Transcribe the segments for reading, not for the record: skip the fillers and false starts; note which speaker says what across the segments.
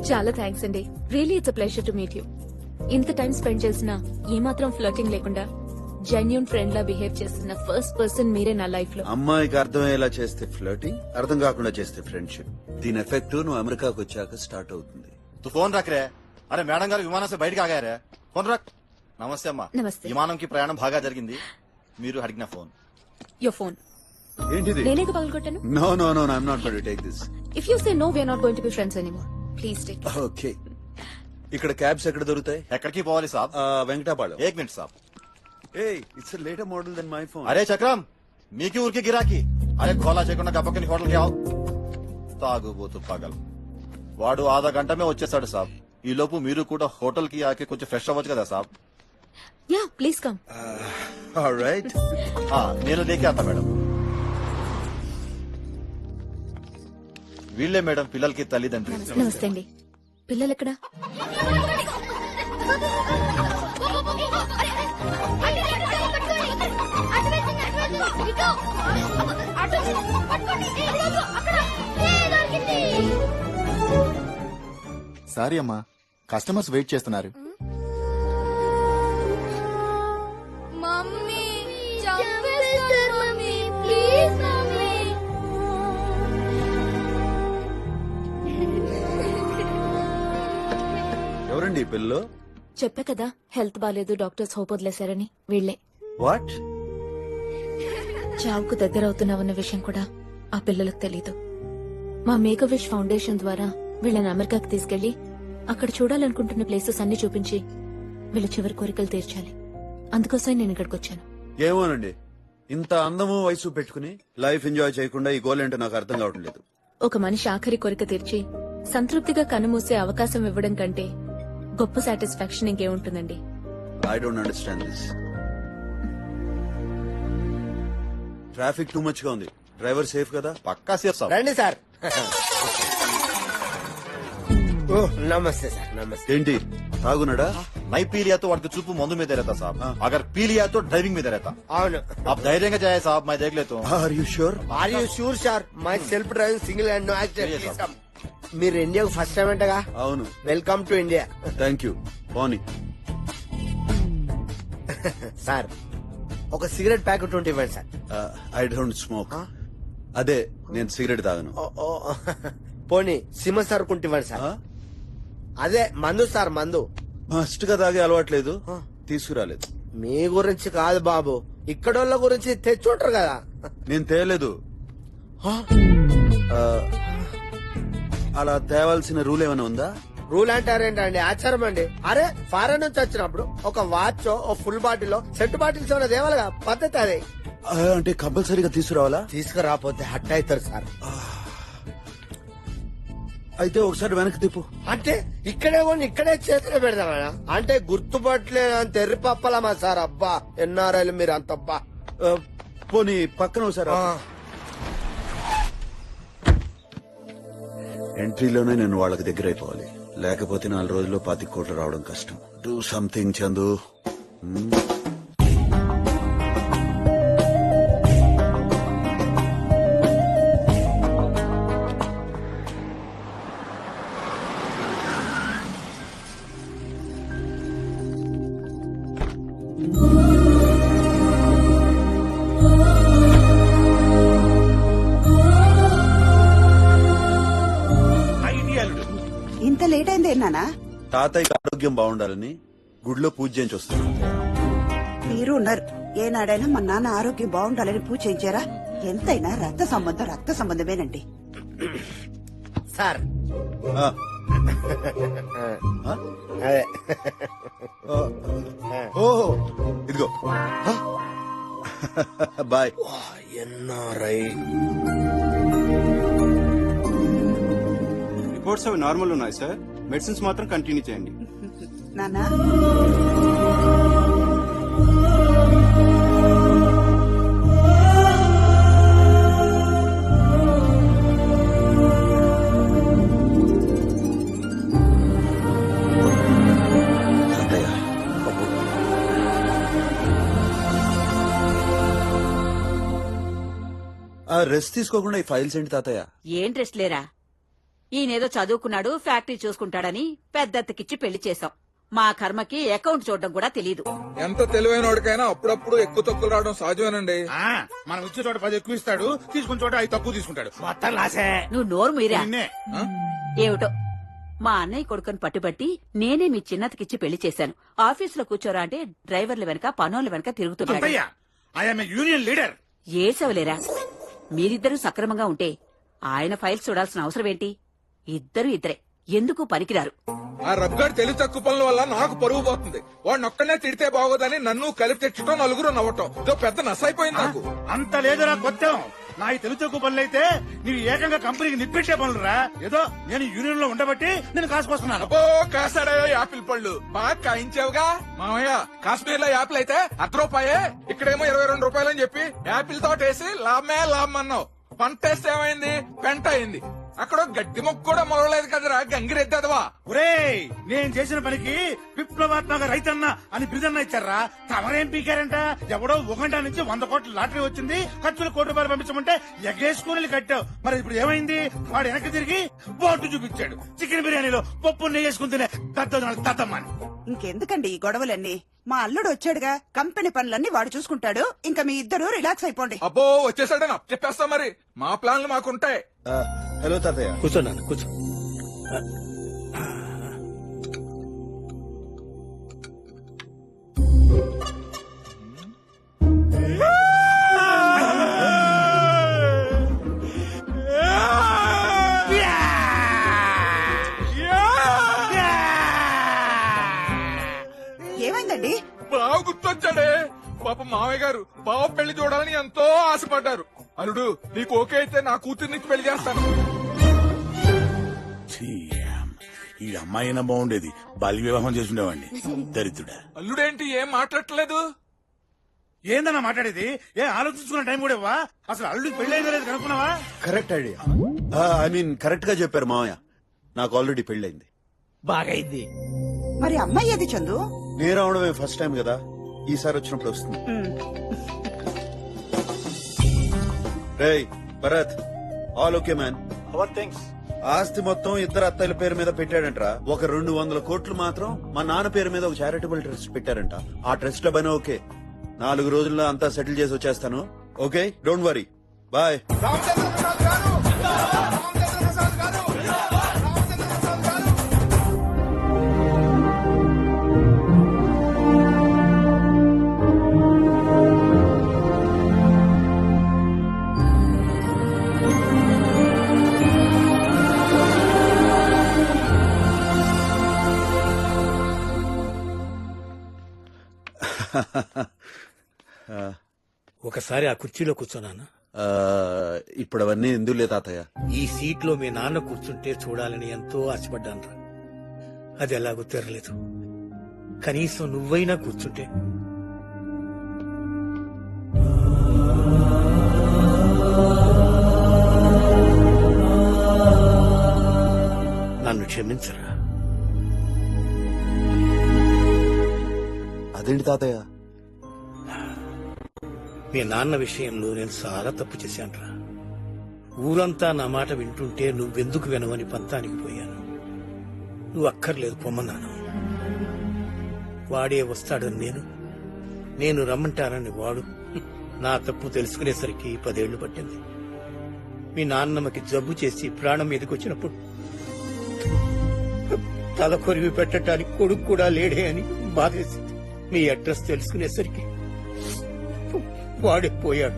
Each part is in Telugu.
Speaker 1: చాలా థ్యాంక్స్ అండి. Really it's a pleasure to meet you. ఇంత టైం స్పెండ్ చేసినా ఏమాత్రం ఫ్లర్టింగ్ లేకుండా జెన్యూన్ ఫ్రెండ్ లా బిహేవ్ చేస్తున్న ఫస్ట్ పర్సన్ మీరే నా లైఫ్ లో.
Speaker 2: అమ్మాయికి అర్థమయ్యేలా చేస్తే ఫ్లర్టింగ్, అర్థం కాకుండా చేస్తే ఫ్రెండ్షిప్. దీని ఎఫెక్ట్ నువ్వు అమెరికాకు వచ్చాక స్టార్ట్ అవుతుంది.
Speaker 3: तू फोन रख रे. अरे मैडम गाరు విమానం से బయటకు ఆగారే. ఫోన్ రక్. నమస్తే అమ్మా.
Speaker 1: నమస్తే.
Speaker 3: విమానంకి ప్రయాణం బాగా జరిగింది. మీరు అడిగిన ఫోన్.
Speaker 1: యువర్ ఫోన్
Speaker 2: ఏంటిది?
Speaker 1: నేనే పగలగొట్టాను.
Speaker 2: No no no I'm not going to take this.
Speaker 1: If you say no we are not going to be friends anymore. Please take.
Speaker 2: Okay. ఇక్కడ క్యాబ్స్ ఎక్కడ దొరుకుతాయి?
Speaker 3: ఎక్కడికి పోవాలి సాబ్?
Speaker 2: వెంకటాపాళెం.
Speaker 3: एक मिनट साहब.
Speaker 2: Hey, it's a later model than my phone.
Speaker 3: అరే చక్రం మీకి ఊరికి గిరాకి. అరే గోలా చేయకుండా గప్పకని హోటల్కి ఆవు. తాగుబోతు పగల్. వాడు ఆधा గంట మే వచ్చేసాడు సాబ్. ఈ లోపు మీరు కూడా హోటల్ కి ఆకి కొంచెం ఫ్రెష్ అవ్వచ్చు కదా సాబ్.
Speaker 1: Yeah please come.
Speaker 2: All right.
Speaker 3: నేను లేకే ఆతా మేడం. వీళ్ళే మేడం పిల్లలకి తల్లిదండ్రి.
Speaker 1: నమస్తే అండి. పిల్లలు ఎక్కడ?
Speaker 4: సారీ అమ్మా, కస్టమర్స్ వెయిట్ చేస్తున్నారు.
Speaker 5: మమ్మీ చంపేస్తారు మమ్మీ, ప్లీజ్ మమ్మీ.
Speaker 2: ఎవరండి ఈ పిల్లలు?
Speaker 1: చెప్పా కదా హెల్త్ బాలేదు, డాక్టర్స్ హోప్ వదిలేశారని. వీళ్లే.
Speaker 2: వాట్?
Speaker 1: చావుకు దగ్గర అవుతున్నామన్న విషయం కూడా ఆ పిల్లలకు తెలీదు. మా మేక్ విష్ ఫౌండేషన్ ద్వారా వీళ్ళని అమెరికాకి తీసుకెళ్లి అక్కడ చూడాలనుకుంటున్న ప్లేసెస్ అన్ని చూపించి వీళ్ళ చివరి కోరికలు తీర్చాలి. అందుకోసం నేను ఇక్కడికి వచ్చాను.
Speaker 2: ఏమోనండి, ఇంత అందము వయసు పెట్టుకుని లైఫ్ ఎంజాయ్ చేయకుండా ఈ గోల్ ఏంటో నాకు అర్థం కావటం లేదు.
Speaker 1: ఒక మనిషి ఆఖరి కోరిక తీర్చి సంతృప్తిగా కన్నుమూసే అవకాశం ఇవ్వడం కంటే గొప్ప సాటిస్ఫాక్షన్ ఇంకేముంటుందండి.
Speaker 2: I don't understand this. Traffic too much గా ఉంది. డ్రైవర్ సేఫ్ కదా?
Speaker 3: పక్కా సేఫ్ సాబ్.
Speaker 6: రండి సార్. ఓ నమస్తే సార్. నమస్తే.
Speaker 2: ఏంటి తాగున్నాడా?
Speaker 3: నై పీ लिया तो వాడికి చూపు మందు మీద रहता साहब. अगर पी लिया तो ड्राइविंग में रहता.
Speaker 6: అవును.
Speaker 3: आप धैर्य जाए साहब, मैं देख लेता हूँ.
Speaker 2: Are you sure?
Speaker 6: Are you sure sir? My self driving single and no accident.
Speaker 3: Yes, sir.
Speaker 6: మీరు ఇండియాకు ఫస్ట్ టైం అంటగా?
Speaker 2: అవును.
Speaker 6: Welcome to India.
Speaker 2: Thank you. పోనీ.
Speaker 6: సార్ ఒక సిగరెట్ ప్యాకెట్ ఉంటే ఇవ్వండి సార్.
Speaker 2: I don't smoke. అదే నేను సిగరెట్ తాగను.
Speaker 6: ఓ, పోనీ సిమ సార్ కుంటే ఇవ్వండి సార్. అదే మందు సార్, మందు.
Speaker 2: మస్ట్ గా తాగే అలవాట్లేదు, తీసుకురాలేదు.
Speaker 6: మీ గురించి కాదు బాబు, ఇక్కడోళ్ళ గురించి తెచ్చుంటారు కదా.
Speaker 2: నేను తేలేదు. అలా తేవాల్సిన రూల్ ఏమైనా ఉందా?
Speaker 6: రూల్ అంటారేంటండి, ఆచారం అండి. అరే ఫారెన్ నుంచి వచ్చినప్పుడు ఒక వాచ్, ఓ ఫుల్ బాటిల్, సెట్ బాటిల్స్ ఏమైనా దేవాలిగా పద్ధతి అదే.
Speaker 2: అంటే కంపల్సరీగా తీసుకురావాలా?
Speaker 6: తీసుకురాపోతే హట్ అవుతారు సార్.
Speaker 2: అయితే ఒకసారి వెనక్కి తిప్పు.
Speaker 6: అంటే ఇక్కడే కొని ఇక్కడే చేతిలో పెడతామా? అంటే గుర్తుపట్టలేదు అంత ఎర్రి పప్పలమా సార్? అబ్బా ఎన్ఆర్ఐలు మీరు అంత. అబ్బా
Speaker 2: పోనీ పక్కన ఒకసారి. ఎంట్రీలోనే నేను వాళ్ళకి దగ్గర అయిపోవాలి, లేకపోతే 4 రోజుల్లో 25 కోట్లు రావడం కష్టం. Do something Chandu.
Speaker 7: ఇంత లేట్ అయింది నానా?
Speaker 2: తాతయ్యకి ఆరోగ్యం బాగుండాలని గుడిలో పూజ చేయించి వస్తున్నాను.
Speaker 7: మీరు ఉన్నారు. ఏనాడైనా మా నాన్న ఆరోగ్యం బాగుండాలని పూజ చేయించారా? ఎంతైనా రక్త సంబంధమేనండి.
Speaker 6: సార్
Speaker 2: ఆ,
Speaker 6: అదే
Speaker 2: ఓహో ఇదిగో. బాయ్.
Speaker 6: ఎన్ఆర్ఐ
Speaker 8: రిపోర్ట్స్ అవి నార్మల్ ఉన్నాయి సార్. మెడిసిన్స్ మాత్రం కంటిన్యూ చేయండి.
Speaker 7: నానా
Speaker 2: రెస్ట్ తీసుకోకుండా ఈ ఫైల్స్ ఏంటి తాతయ్య?
Speaker 9: ఏం రెస్ట్ లేరా? ఈయనేదో చదువుకున్నాడు ఫ్యాక్టరీ చూసుకుంటాడని పెద్దత్తకిచ్చి పెళ్లి చేశాం. మా కర్మకి అకౌంట్ చూడడం కూడా తెలీదు.
Speaker 10: ఎంత తెలివైన వాడికైనా అప్పుడప్పుడు ఎక్కువ తక్కువ రావడం సహజమేనండి.
Speaker 11: మనం ఇచ్చే చోట 10 ఎక్కువ ఇస్తాడు, తీసుకున్న చోట 5 తక్కువ తీసుకుంటాడు. మొత్తం లాసే.
Speaker 9: నువ్వు నోరు మీరా.
Speaker 11: నిన్నే.
Speaker 9: ఏమిటో మా అన్నయ్య కొడుకుని పట్టుబట్టి నేనే మీ చిన్నతకిచ్చి పెళ్లి చేశాను. ఆఫీసులో కూర్చోరా అంటే డ్రైవర్ల వెనక పనోళ్ళ వెనక తిరుగుతున్నాడు.
Speaker 11: అంతయ్య, ఐఎమ్ ఏ యూనియన్ లీడర్.
Speaker 9: ఏసవలేరా, మీరిద్దరూ సక్రమంగా ఉంటే ఆయన ఫైల్స్ చూడాల్సిన అవసరం ఏంటి? ఇద్దరే ఎందుకు పనికిరారు.
Speaker 10: ఆ రబ్గాడు తెలివి తక్కువ పనుల వల్ల నాకు పరువు పోతుంది. వాడిని ఒక్కనే తిడితే బాగోదని నన్ను కలిపి తెచ్చటం, నలుగురు నవ్వటం ఇదో పెద్ద నసైపోయింది నాకు.
Speaker 11: అంత లేదురా కొత్తం. నా ఈ తెలుగు తక్కువ పనులు అయితే నీవు ఏకంగా కంపెనీకి నిప్పెట్టే పనులురా. ఏదో నేను యూనియన్ లో ఉండబట్టి నేను కాసుకొస్తున్నాను.
Speaker 10: అబ్బో కాసాడయో యాపిల్ పళ్ళు బాగా కాయించావుగా మామయ్య. కాశ్మీర్ లో యాపిల్ అయితే ₹1 ఇక్కడేమో 22 రూపాయలని చెప్పి యాపిల్ తోటేసి లాభమే లాభం అన్నావు. పంటేస్తే ఏమైంది? పెంట అయింది. అక్కడ గడ్డి మొక్క కూడా మొలవలేదు కదరా గంగిరెద్దదవా.
Speaker 11: ఒరేయ్, నేను చేసిన పనికి విప్లవాత్మక రైతన్న అని బిరుదన్న ఇచ్చారా? తమరేం పీకారంట? ఎవడో 1 నుంచి 100 కోట్ల లాటరీ వచ్చింది, ఖర్చులు ₹1 పంపించమంటే ఎగేసుకుని కట్టావు. మరి ఇప్పుడు ఏమైంది? వాడు వెనక్కి తిరిగి బోర్డు చూపించాడు. చికెన్ బిర్యానీలో పప్పు నెయ్యేసుకుని తినే దద్దమ్మని.
Speaker 7: ఇంకెందుకండి ఈ గొడవలన్నీ? మా అల్లుడు వచ్చాడుగా, కంపెనీ పనులన్నీ వాడు చూసుకుంటాడు. ఇంకా మీ ఇద్దరు రిలాక్స్ అయిపోండి.
Speaker 10: అబ్బో వచ్చేసాడని చెప్పేస్తా. మరి మా ప్లాన్లు మాకుంటాయి.
Speaker 3: హలో తాతయ్య.
Speaker 6: కూర్చోన్నాను కూర్చో.
Speaker 7: ఏమైందండి?
Speaker 10: బావ గుర్తొచ్చాడే. పాప మామయ్య గారు బావ పెళ్లి చూడాలని ఎంతో ఆశపడ్డారు. అల్లుడు నీకు ఓకే అయితే నా కూతుర్నికి పెళ్లి చేస్తాను.
Speaker 11: ఈ అమ్మాయినా బాగుండేది, బాల్య వివాహం చేసుండేవాడిని. దరిద్రుడా.
Speaker 10: అల్లుడేంటి ఏం మాట్లాడట్లేదు?
Speaker 11: ఏందన్నా మాట్లాడేది? ఏ ఆలోచించుకున్న టైం కూడా ఇవ్వా? అసలు అల్లుడికి పెళ్లి అయిందో లేదు కనుక్కున్నావా?
Speaker 2: Correct idea. I mean correct గా చెప్పారు మామయ్య. నాకు ఆల్రెడీ పెళ్ళైంది.
Speaker 6: బాగైంది.
Speaker 7: మరి అమ్మాయి ఏది చందు?
Speaker 2: నేను రావడమే ఫస్ట్ టైం కదా, ఈసారి వచ్చినప్పుడు వస్తుంది. రేయ్ Bharat, all okay man.
Speaker 3: Our thanks.
Speaker 2: ఆస్తి మొత్తం ఇద్దరు అత్తయ్యల పేరు మీద పెట్టాడంట. ఒక 200 కోట్లు మాత్రం మా నాన్న పేరు మీద ఒక చారిటబుల్ ట్రస్ట్ పెట్టారంట. ఆ ట్రస్ట్ లో పని ఓకే. 4 రోజుల్లో అంతా సెటిల్ చేసి వచ్చేస్తాను. Okay, don't worry. బాయ్.
Speaker 6: ఒకసారి ఆ కుర్చీలో కూర్చోనానా?
Speaker 2: ఇప్పుడు అవన్నీ ఎందులే తాతయ్య.
Speaker 6: ఈ సీట్ లో మీ నాన్న కూర్చుంటే చూడాలని ఎంతో ఆశపడ్డాను. అది ఎలాగో తెరలేదు. కనీసం నువ్వైనా కూర్చుంటే. నన్ను క్షమించరా.
Speaker 2: అదేంటి తాతయ్య?
Speaker 6: మీ నాన్న విషయంలో నేను చాలా తప్పు చేశానురా. ఊరంతా నా మాట వింటుంటే నువ్వెందుకు వినవని పంతానికి పోయాను. నువ్వు అక్కర్లేదు పొమ్మన్నాను. వాడే వస్తాడని నేను రమ్మంటానని వాడు. నా తప్పు తెలుసుకునేసరికి 10 ఏళ్లు పట్టింది. మీ నాన్నమ్మకి జబ్బు చేసి ప్రాణం మీదకి వచ్చినప్పుడు తల కొరివి పెట్టడానికి కొడుకు కూడా లేడే అని బాధేసింది. మీ అడ్రస్ తెలుసుకునేసరికి వాడే పోయాడు.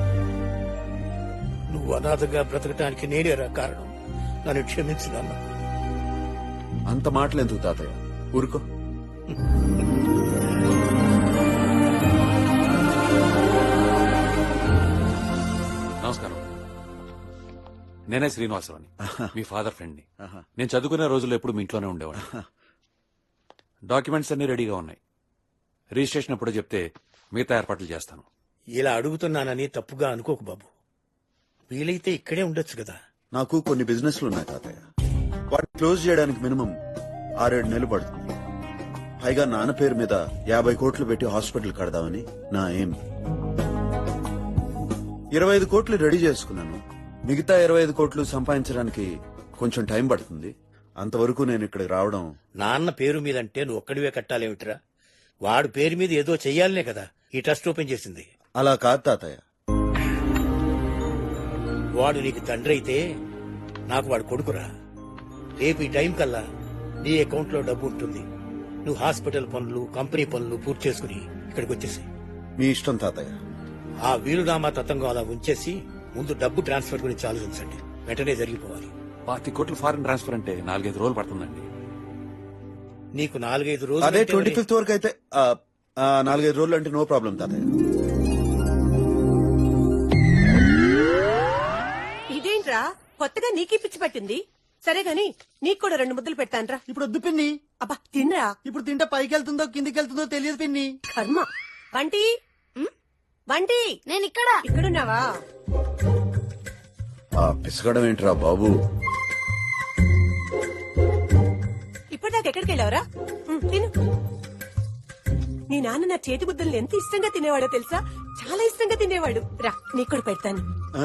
Speaker 6: నువ్వు అనాథగా బ్రతకటానికి నేనేరా కారణం. నన్ను క్షమించు నాన్న.
Speaker 2: అంత మాటలు ఎందుకు తాతయ్య, ఊరుకో.
Speaker 12: నమస్కారం. నేనే శ్రీనివాసరావుని, మీ ఫాదర్ ఫ్రెండ్ ని. నేను చదువుకునే రోజుల్లో ఎప్పుడు మీ ఇంట్లోనే ఉండేవాడు. డాక్యుమెంట్స్ అన్ని రెడీగా ఉన్నాయి. రిజిస్ట్రేషన్ ఎప్పుడో చెప్తే మిగతా ఏర్పాట్లు చేస్తాను.
Speaker 6: ఇలా అడుగుతున్నానని తప్పుగా అనుకోకు బాబు. వీలైతే ఇక్కడే ఉండొచ్చు కదా.
Speaker 2: నాకు కొన్ని బిజినెస్లు ఉన్నాయి తాతయ్య. వాటిని క్లోజ్ చేయడానికి మినిమం 6-7 నెలలు పడుతుంది. పైగా నాన్న పేరు మీద 50 కోట్లు పెట్టి హాస్పిటల్ కడదామని నా ఎయిమ్. 25 కోట్లు రెడీ చేసుకున్నాను. మిగతా 25 కోట్లు సంపాదించడానికి కొంచెం టైం పడుతుంది. అంతవరకు నేను ఇక్కడికి రావడం.
Speaker 6: నాన్న పేరు మీద అంటే నువ్వు ఒక్కడివే కట్టాలేమిట్రా? వాడు పేరు మీద ఏదో చెయ్యాలనే కదా ఈ ట్రస్ట్ ఓపెన్ చేసింది.
Speaker 2: అలా కాదు తాతయ్య.
Speaker 6: వాడు నీకు తండ్రి అయితే నాకు వాడు కొడుకురా. రేపు ఈ టైం కల్లా నీ అకౌంట్ లో డబ్బు ఉంటుంది. నువ్వు హాస్పిటల్ పనులు, కంపెనీ పనులు పూర్తి చేసుకుని ఇక్కడికి వచ్చేసి
Speaker 2: మీ ఇష్టం తాతయ్య.
Speaker 6: ఆ వీలునామా తతంగం అలా ఉంచేసి ముందు డబ్బు ట్రాన్స్ఫర్ గురించి ఆలోచించండి. వెంటనే జరిగిపోవాలి.
Speaker 12: 25 కోట్లు ఫారెన్ ట్రాన్స్ఫర్ అంటే 4-5 రోజులు పడుతుందండి.
Speaker 6: నీకు 4-5 రోజులు
Speaker 2: అదే
Speaker 6: అంటే
Speaker 2: 25th వరకు అయితే 4-5 రోజులు అంటే నో ప్రాబ్లం తాతయ్య.
Speaker 13: ఇదేంట్రా కొత్తగా నీకీ పిచ్చి పట్టింది? సరే గాని నీకు కూడా 2 ముద్దలు పెడతాన్రా.
Speaker 14: ఇప్పుడు వద్దు పిన్ని.
Speaker 13: అబ్బా తినరా.
Speaker 14: ఇప్పుడు తింటే పైకి వెళ్తుందో కిందికి వెళ్తుందో తెలియదు పిన్ని.
Speaker 13: కర్మ. వంటి వంటి
Speaker 5: నేను ఇక్కడ.
Speaker 13: ఇక్కడున్నావా?
Speaker 2: పిసగడం ఏంట్రా బాబు?
Speaker 13: ఇప్పటిదాకా ఎక్కడికి వెళ్ళావరా? తిను. నీ నాన్న నా చేతి ముద్దల్ని ఎంత ఇష్టంగా తినేవాడో తెలుసా? చాలా ఇష్టంగా తినేవాడు. రా నీకు కూడా పెడతాను.
Speaker 2: ఆ?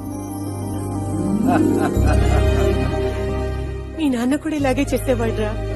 Speaker 13: మీ నాన్న కూడా ఇలాగే చేసేవాడురా.